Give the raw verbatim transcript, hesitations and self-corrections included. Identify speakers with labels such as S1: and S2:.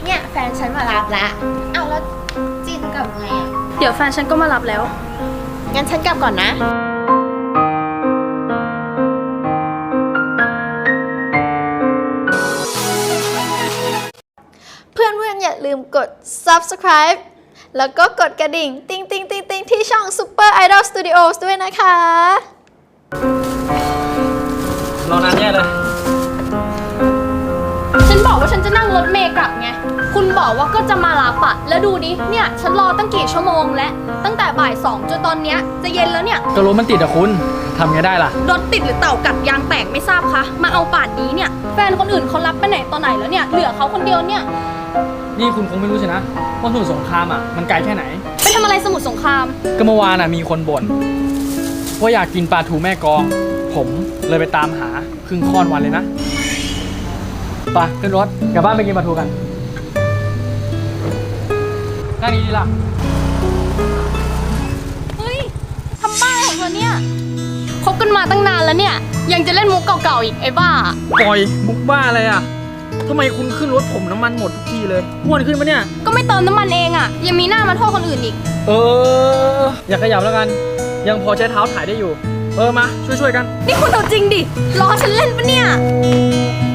S1: เนี่ยแฟนฉันมารับละเอาแล้วจินกลับไงอ่ะ
S2: เดี๋ยวแฟนฉันก็มารับแล้ว
S1: งั้นฉันกลับก่อนนะเพื่อนเพื่อนอย่าลืมกด ซับสไครบ์ แล้วก็กดกระดิ่งติ๊งติ๊งติ๊งติ๊งที่ช่อง ซูเปอร์ ไอดอล สตูดิโอส ด้วยนะคะ
S3: รอนานแย่เลย
S2: ฉันบอกว่าฉันจะนั่งรถเมล์กลับไงคุณบอกว่าก็จะมารับอะแล้วดูดิเนี่ยฉันรอตั้งกี่ชั่วโมงแล้วตั้งแต่บ่ายสองจนตอนเนี้ยจะเย็นแล้วเนี่ย
S3: ก็รถมันติดอะคุณทำไงได้ล่ะ
S2: รถติดหรือเต่ากัดยางแตกไม่ทราบคะมาเอาป่านนี้เนี่ยแฟนคนอื่นเขารับไปไหนตอนไหนแล้วเนี่ยเหลือเขาคนเดียวเนี่ย
S3: นี่คุณคงไม่รู้ใช่นะว่าสมุทรสงครามอะมันไกลแค่ไหน
S2: ไปทำอะไรสมุทรสงคราม
S3: ก็เมื่อวานอะมีคนบ่นว่าอยากกินปลาทูแม่กองผมเลยไปตามหาครึ่งค่อนวันเลยนะไปขึ้นรถกลับบ้านไปกินปลาทูกันนั่งดีๆล่ะ
S2: เฮ้ยทำบ้าของเธอเนี่ยคบกันมาตั้งนานแล้วเนี่ยยังจะเล่นมุกเก่าๆอีกไอ้บ้า
S3: ปล่อยมุกบ้าอะไรอะทำไมคุณขึ้นรถผมน้ำมันหมดทุกทีเลยอ้วนขึ้นปะเนี่ย
S2: ก็ไม่เติมน้ำมันเองอะยังมีหน้ามาโทษคนอื่นอีก
S3: เอออย่าขยับแล้วกันยังพอใช้เท้าถ่ายได้อยู่เออมาช่วยๆกัน
S2: นี่คุณเอาจริงดิล้อฉันเล่นปะเนี่ย